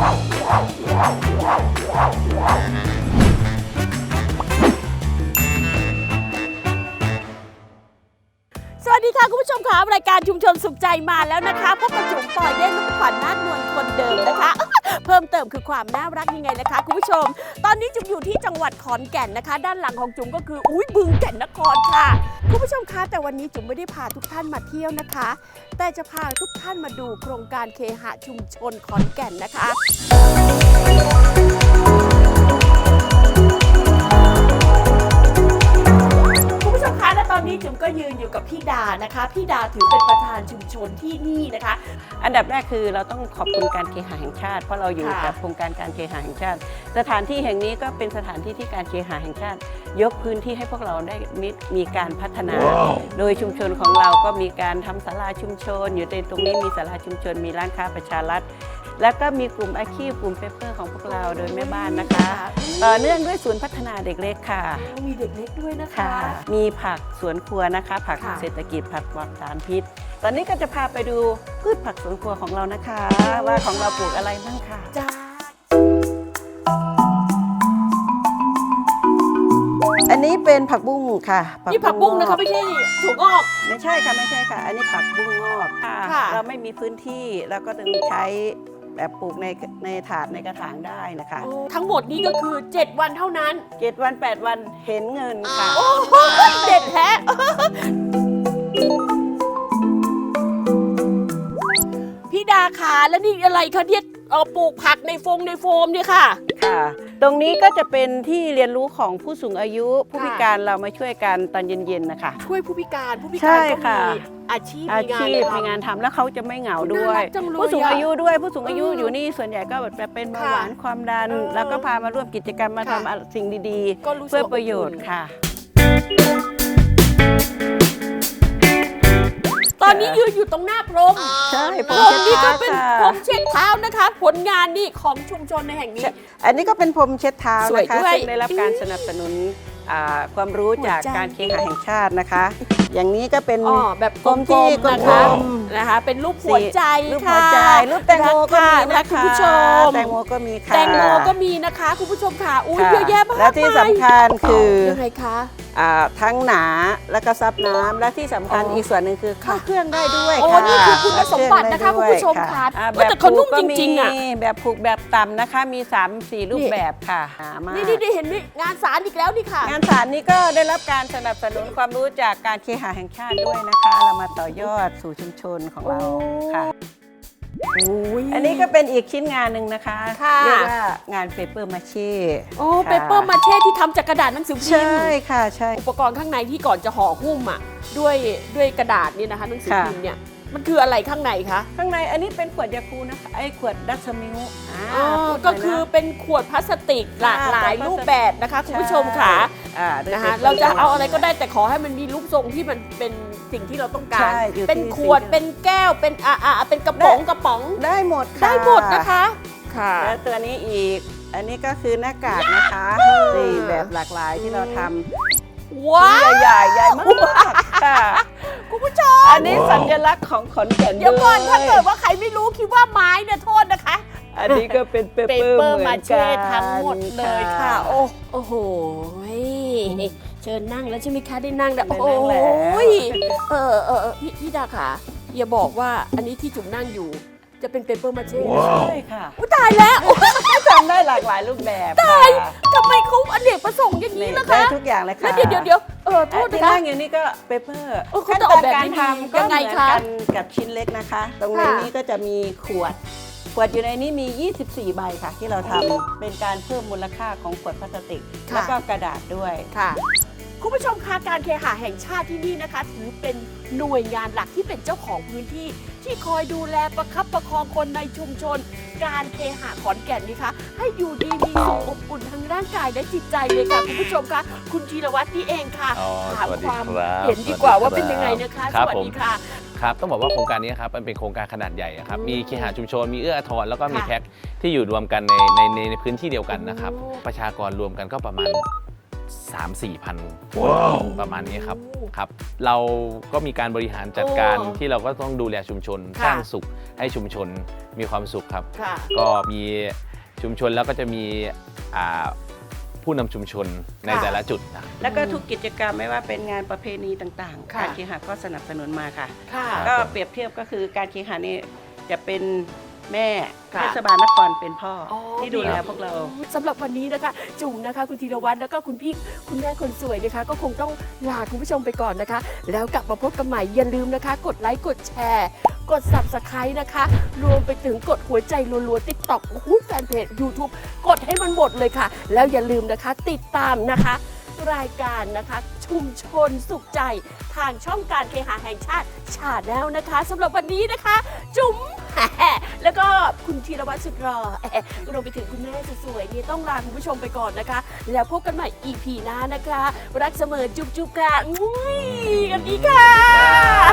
สวัสดีค่ะคุณผู้ชมคะรายการชุมชนสุขใจมาแล้วนะคะพบกับจุ๋มปอยเด้งลูกขวัญนาฏนวลคนเดิมนะคะ เพิ่มเติมคือความน่ารักยังไงนะคะคุณผู้ชมตอนนี้จุ๋มอยู่ที่จังหวัดขอนแก่นนะคะ ด้านหลังของจุ๋มก็คือบึงแก่นนครค่ะคุณผู้ชมคะแต่วันนี้จุ๋มไม่ได้พาทุกท่านมาเที่ยวนะคะ แต่จะพาทุกท่านมาดูโครงการเคหะชุมชนขอนแก่นนะคะและตอนนี้จุ๋มก็ยืนอยู่กับพี่ดานะคะพี่ดาถือเป็นประธานชุมชนที่นี่นะคะอันดับแรกคือเราต้องขอบคุณการเคหะแห่งชาติเพราะเราอยู่กับโครงการการเคหะแห่งชาติสถานที่แห่งนี้ก็เป็นสถานที่ที่การเคหะแห่งชาติยกพื้นที่ให้พวกเราได้มีการพัฒนา โดยชุมชนของเราก็มีการทำศาลาชุมชนอยู่ในตรงนี้มีศาลาชุมชนมีร้านค้าประชารัฐแล้วก็มีกลุ่มอาชีพกลุ่มเปเปอร์ของพวกเราโดยแม่บ้านนะคะต่อเนื่องด้วยศูนย์พัฒนาเด็กเล็กค่ะมีเด็กเล็กด้วยนะคะมีผักสวนครัวนะคะผักเศรษฐกิจผักปลอดสารพิษตอนนี้ก็จะพาไปดูพืชผักสวนครัวของเรานะคะว่าของเราปลูกอะไรบ้างค่ะจ้าอันนี้เป็นผักบุ้งค่ะนี่ผักบุ้งนะคะไม่ใช่ถั่วงอกไม่ใช่ค่ะไม่ใช่ค่ะอันนี้ผักบุ้งงอกค่ะเราไม่มีพื้นที่เราก็ต้องใช้แบบปลูกในถาดในกระถางได้นะคะทั้งหมดนี้ก็คือ7วันเท่านั้น 7วัน8วันเห็นเงินค่ะโอ้โหเด็ดแท้พี่ดาขาแล้วนี่อะไรคะที่ปลูกผักในโฟมเนี่ยค่ะค่ะตรงนี้ก็จะเป็นที่เรียนรู้ของผู้สูงอายุผู้พิการเรามาช่วยกันตอนเย็นๆนะคะช่วยผู้พิการก็มีอาชีพมีงานทำแล้วเขาจะไม่เหงาด้วยผู้สูงอายุด้วยผู้สูงอายุอยู่นี่ส่วนใหญ่ก็แบบเป็นเบาหวานความดันแล้วก็พามาร่วมกิจกรรมมาทำสิ่งดีๆเพื่อประโยชน์ค่ะตอนนี้ยืนอยู่ตรงหน้าพรมใช่พรมนี่ก็เป็นพรมเช็ดเท้านะคะผลงานนี่ของชุมชนในแห่งนี้อันนี้ก็เป็นพรมเช็ดเท้านะคะซึ่งได้รับการสนับสนุนความรู้จากการเคหะแห่งชาตินะคะอย่างนี้ก็เป็นแบบพรมที่กลมนะคะเป็นรูปหัวใจรูปแตงโมก็มีนะคะคุณผู้ชมแตงโมก็มีค่ะแตงโมก็มีนะคะคุณผู้ชมค่ะเยอะแยะมากและที่สำคัญคือยังไงคะทั้งหนาแล้วก็ซับน้ำและที่สำคัญอีกส่วนหนึ่งคือเข้าเครื่องได้ด้วยค่ะนี่คือคุณสมบัตินะคะคุณผู้ชมค่ะแต่เขานุ่มจริงๆแบบผูกแบบต่ำนะคะมี 3-4 รูปแบบค่ะนี่เห็นไหมงานสารอีกแล้วนี่ค่ะงานสารนี้ก็ได้รับการสนับสนุนความรู้จากการเคหะแห่งชาติด้วยนะคะเรามาต่อยอดสู่ชุมชนของเราค่ะอันนี้ก็เป็นอีกชิ้นงานหนึ่งนะคะเรียกว่างานเปเปอร์มาเช่เปเปอร์มาเช่ที่ทำจากกระดาษหนังสือพิมพ์ใช่ค่ะใช่อุปกรณ์ข้างในที่ก่อนจะห่อหุ้มด้วยกระดาษนี่นะคะหนังสือพิมพ์เนี่ยมันคืออะไรข้างในคะข้างในอันนี้เป็นขวดยาคูนะคะไอ้ขวดดัชมิลก็คือเป็นขวดพลาสติกหลากหลายรูปแบบนะคะคุณผู้ชมค่ะนะคะเราจะเอาอะไรก็ได้แต่ขอให้มันมีรูปทรงที่มันเป็นสิ่งที่เราต้องการเป็นขวดเป็นแก้วเป็นเป็นกระป๋องได้หมดนะคะค่ะแล้วตัวนี้อีกอันนี้ก็คือหน้ากากนะคะนี่แบบหลากหลายที่เราทำว้าวใหญ่มากค่ะคุณผู้ชมอันนี้สัญลักษณ์ของขอนแก่นเดี๋ยวก่อนถ้าเกิดว่าใครไม่รู้คิดว่าไม้เนี่ยโทษนะคะอันนี้ก็เป็นเปเปอร์มาเช่ทั้งหมดเลยค่ะโอ้โหเชิญนั่งแล้วใช่ไหมคะได้นั่งแล้วโอ้ยพี่ดาค่ะอย่าบอกว่าอันนี้ที่จุ๋มนั่งอยู่จะเป็นเปเปอร์มาเช่ใช่ค่ะตายแล้วทำได้หลากหลายรูปแบบตายทำไมเขาอเนกประสงค์อย่างนี้ล่ะคะได้ทุกอย่างเลยค่ะแล้วเดี๋ยวโทษนะคะอย่างนี้ก็เปเปอร์ขั้นตอนการทำยังไงคะกับชิ้นเล็กนะคะตรงนี้ก็จะมีขวดอยู่ในนี้มี24ใบค่ะที่เราทำเป็นการเพิ่มมูลค่าของขวดพลาสติกแล้วก็กระดาษด้วยค่ะคุณผู้ชมคะการเคหะแห่งชาติที่นี่นะคะถือเป็นหน่วยงานหลักที่เป็นเจ้าของพื้นที่ที่คอยดูแลประคับประคองคนในชุมชนการเคหะขอนแก่นนี่คะให้อยู่ดีมีสุขอบอุ่นทั้งร่างกายและจิตใจเลยค่ะคุณผู้ชมคะคุณธีรวัฒน์นี่เองค่ะถามความเห็นดีกว่าว่าเป็นยังไงนะคะสวัสดีค่ะครับต้องบอกว่าโครงการนี้ครับมันเป็นโครงการขนาดใหญ่ครับมีเคหะชุมชนมีเอื้ออาทรแล้วก็มีแท็กที่อยู่รวมกันในพื้นที่เดียวกันนะครับประชากรรวมกันก็ประมาณ 3-4 พันคนประมาณนี้ครับครับ เราก็มีการบริหารจัดการที่เราก็ต้องดูแลชุมชนสร้างสุขให้ชุมชนมีความสุขครับ ก็มีชุมชนแล้วก็จะมีผู้นำชุมชนในแต่ละจุดนะแล้วก็ทุกกิจกรรมไม่ว่าเป็นงานประเพณีต่างๆค่ะการเคหะก็สนับสนุนมาค่ะค่ะก็เปรียบเทียบก็คือการเคหะนี่จะเป็นแม่ค่ะเทศบาลนครเป็นพ่อออที่ดูแลพวกเราสำหรับวันนี้นะคะ จุ๋มนะคะ คุณธีรวัตรแล้วก็คุณพี่คุณแม่คนสวยนะคะ ก็คงต้องลาคุณผู้ชมไปก่อนนะคะ แล้วกลับมาพบกันใหม่อย่าลืมนะคะ กดไลค์กดแชร์ กด Subscribe นะคะ รวมไปถึงกดหัวใจรัวๆ TikTok แฟนเพจ YouTube กดให้มันหมดเลยค่ะ แล้วอย่าลืมนะคะ ติดตามนะคะ รายการนะคะชุมชนสุขใจทางช่องการเคหะแห่งชาติชาแนลนะคะสำหรับวันนี้นะคะ จุ๋ม แล้วก็คุณธีรวัตรสุดรอรวมไปถึงคุณแม่สวยๆนี่ต้องลาคุณผู้ชมไปก่อนนะคะ แล้วพบกันใหม่ EP หน้านะคะ รักเสมอจุ๊บๆค่ะอุ้ยกันดีค่ะ